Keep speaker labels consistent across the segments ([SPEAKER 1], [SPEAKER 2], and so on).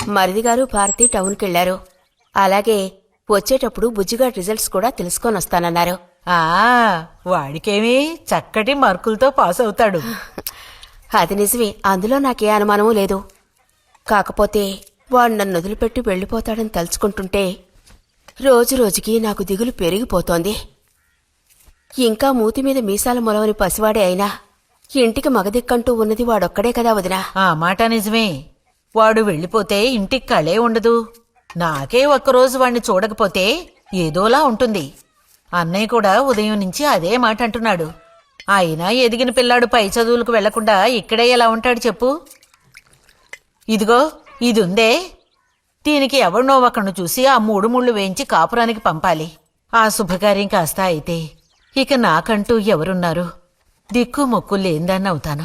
[SPEAKER 1] మరిదిగారు భారతి టౌన్కెళ్లారు. అలాగే వచ్చేటప్పుడు బుజ్జిగాడి రిజల్ట్స్ కూడా తెలుసుకొనొస్తానన్నారు.
[SPEAKER 2] వాడికేమీ చక్కటి మార్కులతో పాస్ అవుతాడు.
[SPEAKER 1] అది నిజమే, అందులో నాకే అనుమానమూ లేదు. కాకపోతే వాడు నన్ను వదిలిపెట్టి వెళ్లిపోతాడని తలుచుకుంటుంటే రోజురోజుకి నాకు దిగులు పెరిగిపోతోంది. ఇంకా మూతి మీద మీసాల మొలవని పసివాడే అయినా ఇంటికి మగదిక్కంటూ ఉన్నది వాడొక్కడే కదా వదినా.
[SPEAKER 2] ఆ మాట నిజమే. వాడు వెళ్ళిపోతే ఇంటికి కళే ఉండదు. నాకే ఒక్కరోజు వాణ్ణి చూడకపోతే ఏదోలా ఉంటుంది. అన్నయ్య కూడా ఉదయం నుంచి అదే మాట అంటున్నాడు. అయినా ఎదిగిన పిల్లాడు పై చదువులకు వెళ్లకుండా ఇక్కడే ఎలా ఉంటాడు చెప్పు. ఇదిగో ఇదుందే, దీనికి ఎవరినో ఒకరిని చూసి ఆ 3 ముళ్ళు వేయించి కాపురానికి పంపాలి. ఆ శుభకార్యం కాస్త అయితే ఇక నాకంటూ ఎవరున్నారు? దిక్కు మొక్కు లేందన్నవుతాను.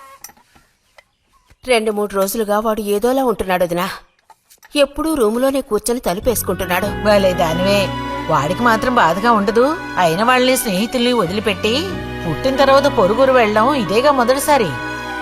[SPEAKER 1] 2-3 రోజులుగా వాడు ఏదోలా ఉంటున్నాడు వదినా. ఎప్పుడూ రూములోనే కూర్చొని తలుపేసుకుంటున్నాడు.
[SPEAKER 2] భలే దానివే. వాడికి మాత్రం బాధగా ఉండదు. అయిన వాళ్ళని స్నేహితుల్ని వదిలిపెట్టి పుట్టిన తర్వాత పొరుగురు వెళ్ళడం ఇదేగా మొదటిసారి.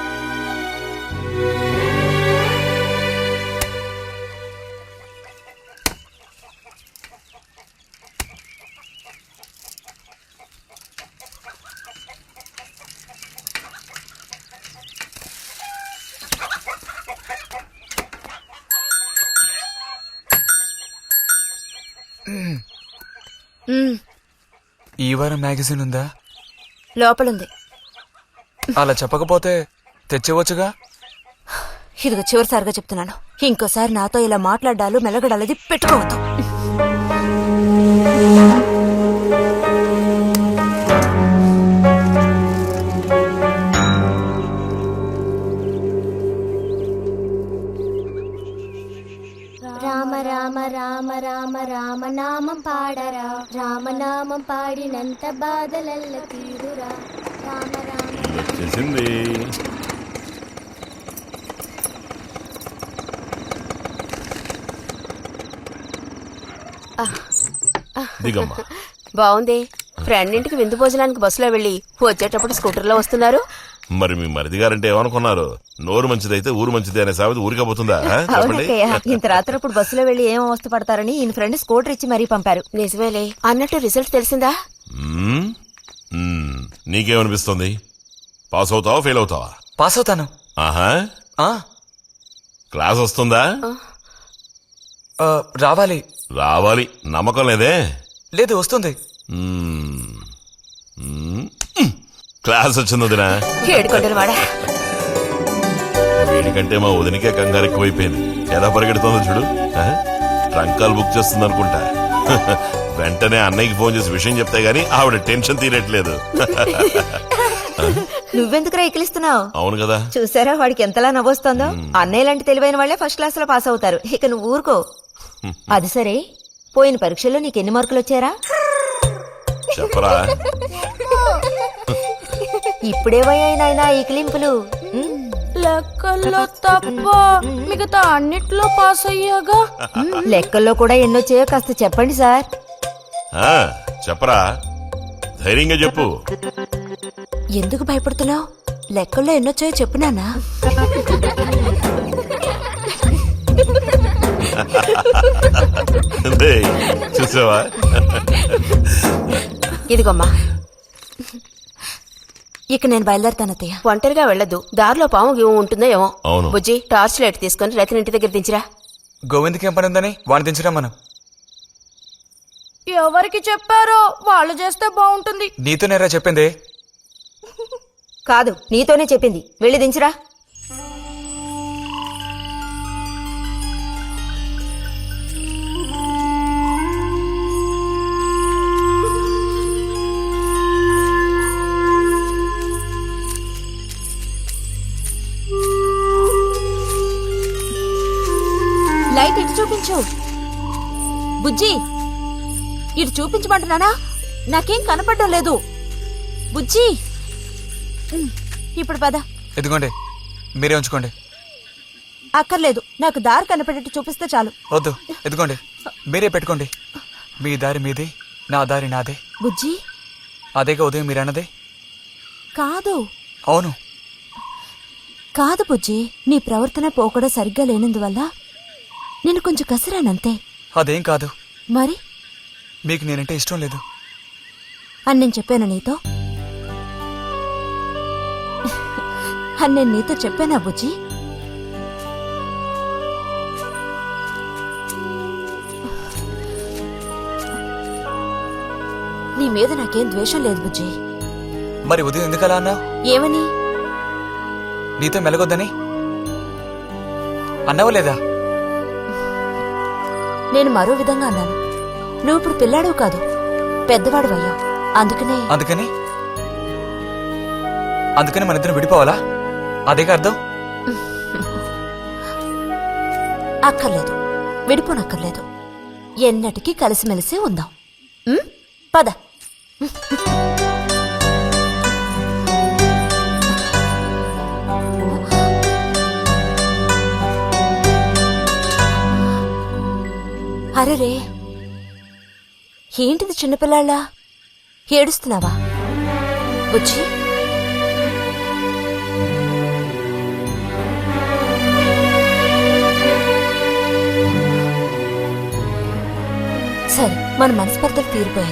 [SPEAKER 3] ఈ వారం మ్యాగజైన్ ఉందా?
[SPEAKER 4] లోపలుంది.
[SPEAKER 3] అలా చెప్పకపోతే తెచ్చేవచ్చుగా.
[SPEAKER 4] ఇదిగో చివరిసారిగా చెప్తున్నాను, ఇంకోసారి నాతో ఇలా మాట్లాడాలు మెలగడాలది పెట్టుకోవద్దు.
[SPEAKER 5] రామ రామ రామ రామ రామనామం పాడరా, రామనామం పాడినంత బాధలల్ల తీరురా. రామ రామ
[SPEAKER 6] చేసింది. దిగమ్మా.
[SPEAKER 1] బావుంది. ఫ్రెండ్ ఇంటికి విందు భోజనానికి బస్సులో వెళ్లి వచ్చేటప్పుడు స్కూటర్లో వస్తున్నారు.
[SPEAKER 6] మరి మీ మరిది గారంటే ఏమనుకున్నారు? నోరు మంచిదైతే ఊరు మంచిది అనే సామెత ఊరికపోతుందా?
[SPEAKER 4] ఇంత రాత్రప్పుడు బస్సులో వెళ్లి ఏం అవస్థ పడతారని ఈయన ఫ్రెండ్ స్కూటర్ ఇచ్చి మరీ పంపారు.
[SPEAKER 1] నిజమేలే. అన్నట్టు రిజల్ట్ తెలిసిందా?
[SPEAKER 6] నీకేమనిపిస్తుంది? పాస్ అవుతావా ఫెయిల్ అవుతావా?
[SPEAKER 3] పాస్ అవుతాను.
[SPEAKER 6] ఆహా. క్లాస్ వస్తుందా?
[SPEAKER 3] రావాలి.
[SPEAKER 6] రావాలి. నమ్మకం లేదే?
[SPEAKER 3] లేదు, వస్తుంది.
[SPEAKER 6] క్లాస్ వచ్చింది వదినా.
[SPEAKER 1] ఏడుకొండలవాడా.
[SPEAKER 6] వీడికంటే మా వదినికే కంగారు ఎక్కువైపోయింది. ఎలా పరిగెడుతుందో చూడు. ట్రంకాలు బుక్ చేస్తుంది అనుకుంటా. వెంటనే అన్నయ్యకి ఫోన్ చేసి విషయం చెప్తే గానీ ఆవిడ టెన్షన్ తీరట్లేదు.
[SPEAKER 4] నువ్వెందుకు రైకిలిస్తున్నావు?
[SPEAKER 6] అవును కదా.
[SPEAKER 4] చూసారా వాడికి ఎంతలా నవ్వొస్తుందో. అన్నయ్య లాంటి తెలివైన వాళ్లే ఫస్ట్ క్లాస్ లో పాస్ అవుతారు. ఇక నువ్వు ఊరుకో. అది సరే, పోయిన పరీక్షల్లో నీకెన్ని మార్కులు వచ్చారా?
[SPEAKER 6] చెప్పరా.
[SPEAKER 4] ఇప్పుడేవయ్యాయి నాయనా ఈ క్లింపులు?
[SPEAKER 5] లెక్కల్లో తప్ప మిగతా అన్నిట్లో పాస్ అయ్యాగా.
[SPEAKER 4] లెక్కల్లో కూడా ఎన్నొచ్చాయో కాస్త చెప్పండి సార్.
[SPEAKER 6] చెప్పరా, ధైర్యంగా చెప్పు.
[SPEAKER 4] ఎందుకు భయపడుతున్నావు? లెక్కల్లో ఎన్నొచ్చాయో చెప్పు నాన్నా.
[SPEAKER 6] చూసావా?
[SPEAKER 1] ఇదిగోమ్మా.
[SPEAKER 4] ఇక నేను బయలుదేరుతాను అత్తయ్య.
[SPEAKER 1] ఒంటరిగా వెళ్లొద్దు. దారిలో పాము గీము ఉంటుందో ఏమో.
[SPEAKER 6] అవును.
[SPEAKER 1] బుజ్జి, టార్చ్ లైట్ తీసుకుని రతిని ఇంటి దగ్గర దించిరా.
[SPEAKER 3] గోవింద్కి ఏం పని ఉందని వాడిని దించరా మనం.
[SPEAKER 5] ఎవరికి చెప్పారో వాళ్ళు చేస్తే బాగుంటుంది.
[SPEAKER 3] నీతో నేరా చెప్పింది?
[SPEAKER 4] కాదు, నీతోనే చెప్పింది. వెళ్ళి దించిరా. లైట్ ఇటు చూపించు. బుజ్జి, ఇటు చూపించమంటున్నానా? నాకేం కనపడడం లేదు. బుజ్జి, ఇప్పుడు పద.
[SPEAKER 3] ఎదుగోండి, మీరే ఉంచుకోండి.
[SPEAKER 4] అక్కర్లేదు, నాకు దారి కనపడేట్టు చూపిస్తే చాలు.
[SPEAKER 3] వద్దు, ఎదుగోండి, మీరే పెట్టుకోండి. మీ దారి మీది, నా దారి నాదే.
[SPEAKER 4] బుజ్జి,
[SPEAKER 3] అదేగా ఉదయం మీరన్నదే.
[SPEAKER 4] కాదు.
[SPEAKER 3] అవును.
[SPEAKER 4] కాదు బుజ్జి, నీ ప్రవర్తన పోకడ సరిగ్గా లేనందువల్ల నేను కొంచెం కసిరానంతే.
[SPEAKER 3] అదేం కాదు.
[SPEAKER 4] మరి
[SPEAKER 3] మీకు నేనంటే ఇష్టం లేదు.
[SPEAKER 4] అని నేను చెప్పాను నీతో? అని నేను నీతో చెప్పానా బుజ్జి? నీ మీద నాకేం ద్వేషం లేదు బుజ్జి.
[SPEAKER 3] మరి ఉదయం ఎందుకలా అన్నావు?
[SPEAKER 4] ఏమని?
[SPEAKER 3] నీతో మెలగొద్దని అన్నావు లేదా?
[SPEAKER 4] నేను మరో విధంగా అన్నాను. నువ్వు ఇప్పుడు పిల్లాడు కాదు, పెద్దవాడు అయ్యావు. అందుకనే
[SPEAKER 3] అందుకని మన ఇద్దరం విడిపోవాలా? అదేగా అర్థం?
[SPEAKER 4] అక్కర్లేదు, విడిపోనక్కర్లేదు. ఎన్నటికీ కలిసిమెలిసి ఉందాం. పద. అరెరే, ఏంటిది చిన్నపిల్లాళ్ళ? ఏడుస్తున్నావా బుజ్జి? సరే, మన మనస్పర్ధలు తీరిపోయాయి.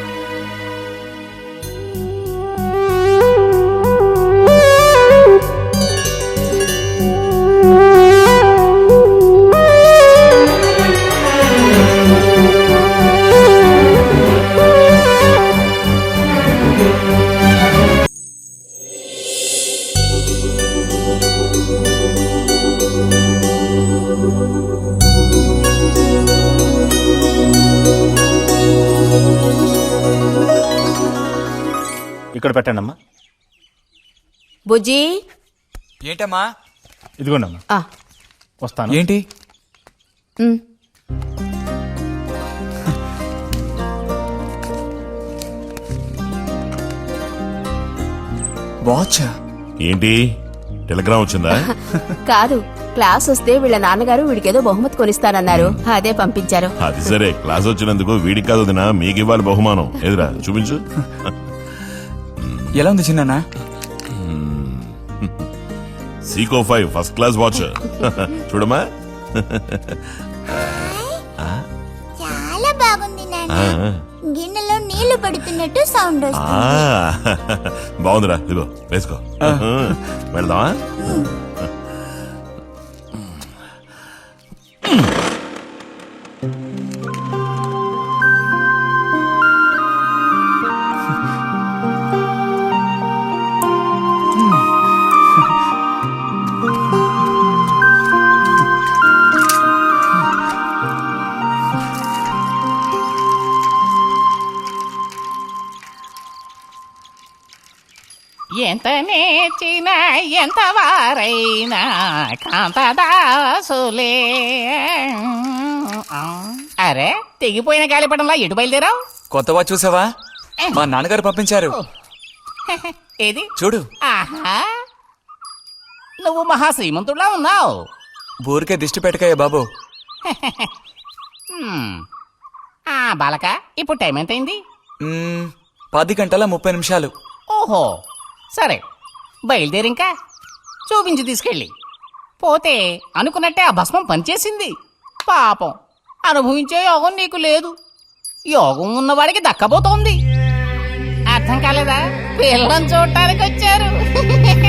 [SPEAKER 7] ఇక్కడ పెట్టండి అమ్మా.
[SPEAKER 1] బుజ్జి.
[SPEAKER 3] ఏంటమ్మా?
[SPEAKER 7] ఇదిగోండి అమ్మా.
[SPEAKER 1] ఆ,
[SPEAKER 7] వస్తాను.
[SPEAKER 3] ఏంటి?
[SPEAKER 1] ఉమ్.
[SPEAKER 3] వాచ్?
[SPEAKER 6] ఏంటి టెలిగ్రామ్ వచ్చిందా?
[SPEAKER 1] కాదు, క్లాస్ వస్తే వీళ్ళ నాన్నగారు వీడికేదో బహుమతి కొనిస్తానన్నారు, అదే పంపించారు.
[SPEAKER 6] అది సరే, క్లాస్ వచ్చినందుకు వీడికి కాదు వదినా, మీకు ఇవ్వాలి బహుమానం. ఎదురా చూపించు.
[SPEAKER 3] ఎలా ఉంది చిన్న?
[SPEAKER 6] Seiko 5 first class watch. చూడమ్మా.
[SPEAKER 5] చాలా బాగుంది నాన్న. గిన్నెలో నీళ్లు పడుతున్నట్టు సౌండ్ వస్తుంది.
[SPEAKER 6] బాగుందిరా, ఇదిగో వేసుకో. వెళ్దామా?
[SPEAKER 8] ఎంత నేర్చిన ఎంత వారైనా కాంతదాసులే. అరే, తెగిపోయిన గాలిపటంలా ఎటు బయలుదేరావు?
[SPEAKER 3] కొత్త వాచ్ చూసావా? మా నాన్నగారు పంపించారు.
[SPEAKER 8] ఏది
[SPEAKER 3] చూడు.
[SPEAKER 8] ఆహా, నువ్వు మహా శ్రీమంతుడులా ఉన్నావు.
[SPEAKER 3] ఊరికే దిష్టి పెట్టకాయ బాబు.
[SPEAKER 8] బాలక, ఇప్పుడు టైం ఎంతైంది?
[SPEAKER 3] 10:30
[SPEAKER 8] ఓహో, సరే బయలుదేరింకా. చూపించి తీసుకెళ్ళి. పోతే అనుకున్నట్టే ఆ భస్మం పనిచేసింది. పాపం, అనుభవించే యోగం నీకు లేదు. యోగం ఉన్నవాడికి దక్కబోతోంది. అర్థం కాలేదా? పిల్లని చూడటానికి వచ్చారు.